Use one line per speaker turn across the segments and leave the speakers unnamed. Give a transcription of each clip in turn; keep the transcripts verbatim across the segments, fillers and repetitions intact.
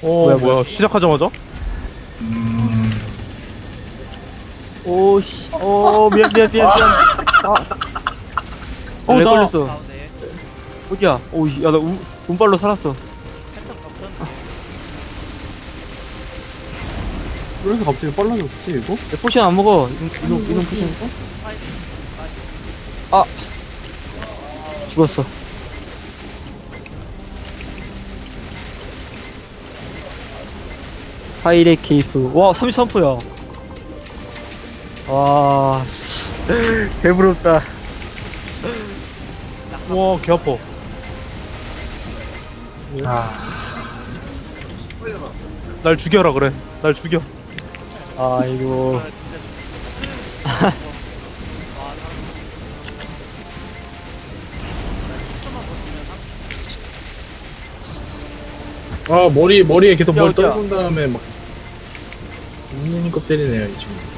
어
뭐야,
뭐야,
뭐야.
시작하자마자?
오씨. 어 미안 미안 미안 미안. 아.
어,
렉
나-
걸렸어.
가운데
어디야? 오이 야나 운발로 살았어.
패턴 겹쳤는데
왜 이렇게 갑자기 빨라졌지 이거?
내 포션 안 먹어. 이놈 이놈 이놈 포션.
파이팅
아 죽었어. 파이레 케이프. 와 삼십삼 퍼야. 와 씨. 배부럽다.
와, 개 아파. 날 죽여라 그래. 날 죽여.
아이고.
아 진짜 와
아 머리 머리에 계속
야,
뭘
어디야?
떨군 다음에 막 웃는 것 때리네요 이 친구.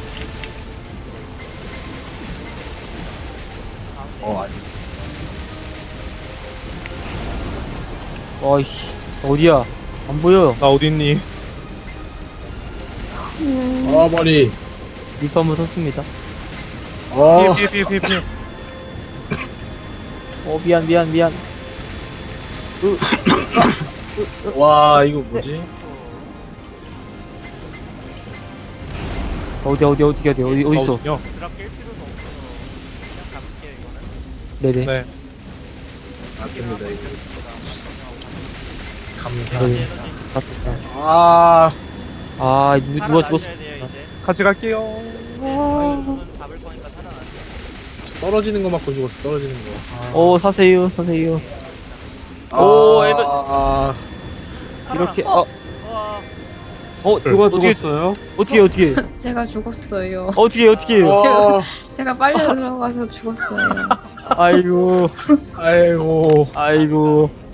어 아니.
와이씨 어디야? 안 보여.
나 어딨니?
아 머리.
리프 한번 썼습니다.
아
피해 피해 피해 피해.
어 미안 미안 미안.
와 이거 뭐지?
어디 어디 어디 어디 어디 어디 있어?
어딨냐?
드랍 깰 필요도 없어 그냥 잡을게요 이거는
네네.
네.
맞습니다 이거.
네.
감사합니다.
맞다.
아
아 누, 누가 죽었어?
살아나셔야 돼요, 이제.
같이 갈게요.
손 잡을 거니까 살아나세요.
떨어지는 거 맞고 죽었어 떨어지는 거. 아,
어 사세요 사세요.
아,
오, 에너-
아,
이렇게
살아났어.
어
와
어
누가
어떻게
죽었어요?
어떻게 어떻게
제가 죽었어요.
어떻게 어떻게
아,
제가 빨려 들어가서 죽었어요.
아이고
아이고
아이고